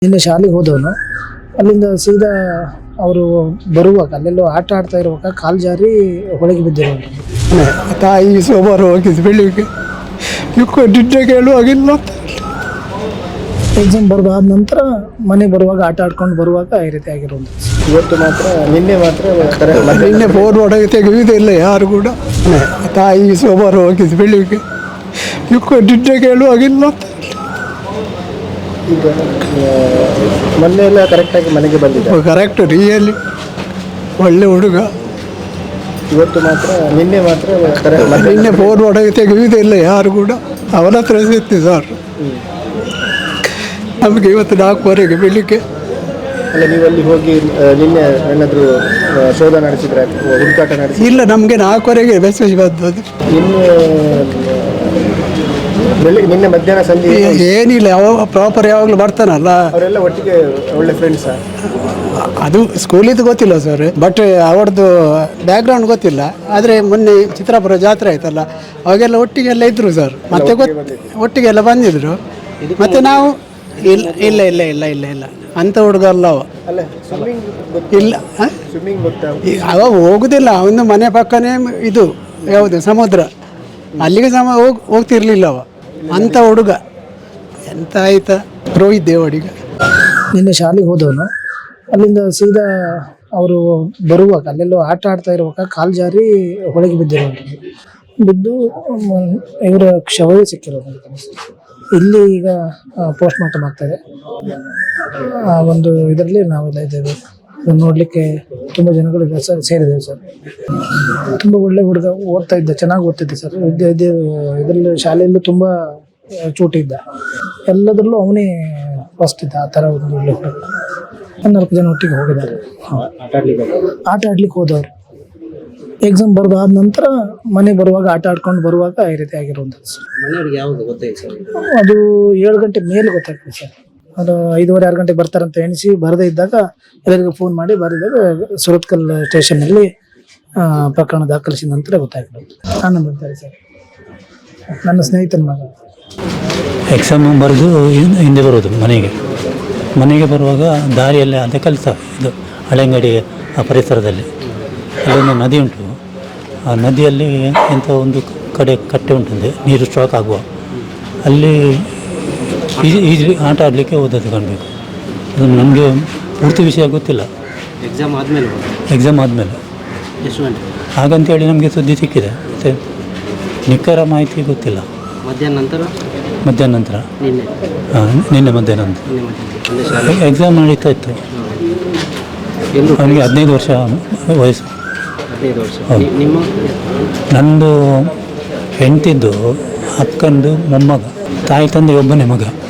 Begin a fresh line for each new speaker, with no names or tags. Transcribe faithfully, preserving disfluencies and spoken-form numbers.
ನಿನ್ನೆ ಶಾಲೆಗೆ ಹೋದವನು ಅಲ್ಲಿಂದ ಸೀದಾ ಅವರು ಬರುವಾಗ ಅಲ್ಲೆಲ್ಲೋ ಆಟ ಆಡ್ತಾ ಇರುವಾಗ ಕಾಲು ಜಾರಿ ಹೊಳಗೆ ಬಿದ್ದಿರೋದು.
ತಾಯಿ ಸೋಮವಾರ ಹೋಗಿದ್ದು ಬೆಳಿಗ್ಗೆ ಡಿಡ್ಡೆ ಕೇಳುವಾಗಿಲ್ಲ.
ಎಕ್ಸಾಮ್ ಬರೆದಾದ ನಂತರ ಮನೆ ಬರುವಾಗ ಆಟ ಆಡ್ಕೊಂಡು ಬರುವಾಗ ಈ ರೀತಿ ಆಗಿರೋದು.
ಇವತ್ತು ಮಾತ್ರ ನಿನ್ನೆ ಮಾತ್ರ
ನಿನ್ನೆ ಫೋನ್ ಒಳಗೆ ತೆಗೆಯುವುದಿಲ್ಲ ಯಾರು ಕೂಡ. ತಾಯಿ ಸೋಮವಾರ ಹೋಗಿದ್ದು ಬೆಳಿಗ್ಗೆ ಡಿಡ್ಡೆ ಕೇಳುವಾಗಿಲ್ಲ.
ಈಗ ಮೊನ್ನೆ ಎಲ್ಲ ಕರೆಕ್ಟಾಗಿ ಮನೆಗೆ ಬಂದಿದ್ದ.
ಕರೆಕ್ಟ್ ರಿಯಲಿ ಒಳ್ಳೆ ಹುಡುಗ.
ಇವತ್ತು ಮಾತ್ರ ನಿನ್ನೆ ಮಾತ್ರ
ನಿನ್ನೆ ಫೋನ್ ಒಳಗೆ ತೆಗೆಯುವುದಿಲ್ಲ ಯಾರು ಕೂಡ. ಅವನ ಹತ್ರ ಸಿಗ್ತಿ ಸರ್ ನಮಗೆ ಇವತ್ತು ನಾಲ್ಕುವರೆಗೆ ಬೆಳಿಗ್ಗೆ.
ಅಲ್ಲ ನೀವು ಅಲ್ಲಿ ಹೋಗಿ ನಿನ್ನೆ ಏನಾದರೂ ಶೋಧ ನಡೆಸಿದ್ರೆ ಹುಡುಕಾಟ ನಡೆಸಿ?
ಇಲ್ಲ, ನಮಗೆ ನಾಲ್ಕುವರೆಗೆ ಮೆಸೇಜ್ ಬಂದದ್ದು.
ನಿನ್ನೆ ಬೆಳಿಗ್ಗೆ ನಿನ್ನೆ ಮಧ್ಯಾಹ್ನ ಸಂಜೆ
ಏನಿಲ್ಲ, ಯಾವ ಪ್ರಾಪರ್ ಯಾವಾಗಲೂ ಬರ್ತಾನಲ್ಲ.
ಅವರೆಲ್ಲ ಒಟ್ಟಿಗೆ ಒಳ್ಳೆ ಫ್ರೆಂಡ್ಸಾ?
ಅದು ಸ್ಕೂಲಿದ್ದು ಗೊತ್ತಿಲ್ಲ ಸರ್, ಬಟ್ ಅವ್ರದ್ದು ಬ್ಯಾಕ್ಗ್ರೌಂಡ್ ಗೊತ್ತಿಲ್ಲ. ಆದರೆ ಮೊನ್ನೆ ಚಿತ್ರಾಪುರ ಜಾತ್ರೆ ಆಯ್ತಲ್ಲ, ಅವಾಗೆಲ್ಲ ಒಟ್ಟಿಗೆಲ್ಲ ಇದ್ರು ಸರ್. ಮತ್ತೆ ಗೊತ್ತು ಒಟ್ಟಿಗೆಲ್ಲ ಬಂದಿದ್ರು. ಮತ್ತೆ ನಾವು ಇಲ್ಲ ಇಲ್ಲ ಇಲ್ಲ ಇಲ್ಲ ಇಲ್ಲ ಇಲ್ಲ ಅಂಥ ಹುಡುಗ ಅಲ್ಲ ಅವ.
ಅಲ್ಲ ಸ್ವಿಮ್ಮಿಂಗ್
ಇಲ್ಲ,
ಸ್ವಿಮ್ಮಿಂಗ್ ಗೊತ್ತಾ?
ಅವ ಹೋಗುದಿಲ್ಲ. ಅವನು ಮನೆ ಪಕ್ಕನೇ ಇದು ಯಾವುದು ಸಮುದ್ರ, ಅಲ್ಲಿಗೆ ಸಮ ಹೋಗಿ ಹೋಗ್ತಿರ್ಲಿಲ್ಲ ಅವ. ಅಂಥ ಹುಡುಗ ಎಂತ ಆಯ್ತಾ ರೋಹಿತ್ ದೇವಡಿಗ.
ನಿನ್ನೆ ಶಾಲೆಗೆ ಹೋದವನು ಅಲ್ಲಿಂದ ಸೀದಾ ಅವರು ಬರುವಾಗ ಅಲ್ಲೆಲ್ಲೋ ಆಟ ಆಡ್ತಾ ಇರುವಾಗ ಕಾಲು ಜಾರಿ ಹೊಳಗೆ ಬಿದ್ದಿರೋದು. ಬಿದ್ದು ಇವರ ಶವವೇ ಸಿಕ್ಕಿರೋದು. ಇಲ್ಲಿ ಈಗ ಪೋಸ್ಟ್ ಮಾರ್ಟಮ್ ಆಗ್ತಾಯಿದೆ. ಒಂದು ಇದರಲ್ಲಿ ನಾವೆಲ್ಲ ಇದ್ದೇವೆ ನೋಡಲಿಕ್ಕೆ. ತುಂಬ ಜನಗಳು ಸರ್ ಸೇರಿದ್ದೇವೆ ಸರ್. ತುಂಬ ಒಳ್ಳೆ ಹುಡುಗ, ಓದ್ತಾ ಇದ್ದ, ಚೆನ್ನಾಗಿ ಓದ್ತಿದ್ದ ಸರ್. ವಿದ್ಯೆ ವಿದ್ಯೆ ಇದರಲ್ಲಿ ಶಾಲೆಯಲ್ಲೂ ತುಂಬ ಚೂಟಿ ಇದ್ದ. ಎಲ್ಲದರಲ್ಲೂ ಅವನೇ ಫಸ್ಟ್ ಇದ್ದ. ಆ ಥರ ಒಂದು ಒಳ್ಳೆ ಹುಡುಗ. ಹನ್ನೆರಡು ಜನ ಒಟ್ಟಿಗೆ ಹೋಗಿದ್ದಾರೆ ಆಟ ಆಡ್ಲಿಕ್ಕೆ ಹೋದವರು. ಎಕ್ಸಾಮ್ ಬರೆದಾದ ನಂತರ ಮನೆ ಬರುವಾಗ ಆಟ ಆಡ್ಕೊಂಡು ಬರುವಾಗ ಈ ರೀತಿ ಆಗಿರೋದು. ಅದು ಏಳು ಗಂಟೆ ಮೇಲೆ ಗೊತ್ತಾಗ್ತದೆ ಸರ್. ಅದು ಐದುವರೆ ಆರು ಗಂಟೆಗೆ ಬರ್ತಾರಂತ ಎಣಿಸಿ ಬರದೇ ಇದ್ದಾಗ ಎಲ್ಲರಿಗೂ ಫೋನ್ ಮಾಡಿ ಬರೆದಾಗ ಸುರತ್ಕಲ್ ಸ್ಟೇಷನ್ನಲ್ಲಿ ಪ್ರಕರಣ ದಾಖಲಿಸಿದ ನಂತರ ಗೊತ್ತಾಗಿರೋದು. ಆನಂದ್ ಅಂತಾರೆ ಸರ್, ನನ್ನ ಸ್ನೇಹಿತನ ಮಗ.
ಎಕ್ಸಾಮ್ ಬರೆದು ಹಿಂದೆ ಬರೋದು ಮನೆಗೆ ಮನೆಗೆ ಬರುವಾಗ ದಾರಿಯಲ್ಲಿ ಅದೇ ಕೆಲಸ ಇದು ಹಳೆಂಗಡಿ ಆ ಪರಿಸರದಲ್ಲಿ ಅಲ್ಲೊಂದು ನದಿ ಉಂಟು. ಆ ನದಿಯಲ್ಲಿ ಎಂಥ ಒಂದು ಕಡೆ ಕಟ್ಟೆ ಉಂಟಂತೆ, ನೀರು ಸ್ಟಾಕ್ ಆಗುವ ಅಲ್ಲಿ ಈಜು ಈಜು ಆಟ ಆಡಲಿಕ್ಕೆ ಹೋದದ್ದು ಕಾಣಬೇಕು. ಅದು ನನಗೆ ಪೂರ್ತಿ ವಿಷಯ ಗೊತ್ತಿಲ್ಲ.
ಎಕ್ಸಾಮ್ ಆದಮೇಲೆ
ಎಕ್ಸಾಮ್ ಆದಮೇಲೆ
ಎಷ್ಟು ಗಂಟೆ
ಹಾಗಂತೇಳಿ ನಮಗೆ ಸುದ್ದಿ ಸಿಕ್ಕಿದೆ. ಮತ್ತು ನಿಖರ ಮಾಹಿತಿ ಗೊತ್ತಿಲ್ಲ.
ಮಧ್ಯಾಹ್ನ ನಂತರ
ಮಧ್ಯಾಹ್ನ ನಂತರ
ನಿನ್ನೆ
ಹಾಂ ನಿನ್ನೆ ಮಧ್ಯಾಹ್ನ ನಂತರ ಎಕ್ಸಾಮ್ ನಡೀತಾ ಇತ್ತು. ಅವನಿಗೆ ಹದಿನೈದು ವರ್ಷ ವಯಸ್ಸು.
ಹದಿನೈದು ವರ್ಷ.
ಹೌದು.
ನಿಮ್ಮ
ನಂದು ಹೆಂಡ್ತಿದ್ದು ಅಕ್ಕಂದು ಮೊಮ್ಮಗ, ತಾಯಿ ತಂದೆ ಒಬ್ಬನೇ ಮಗ.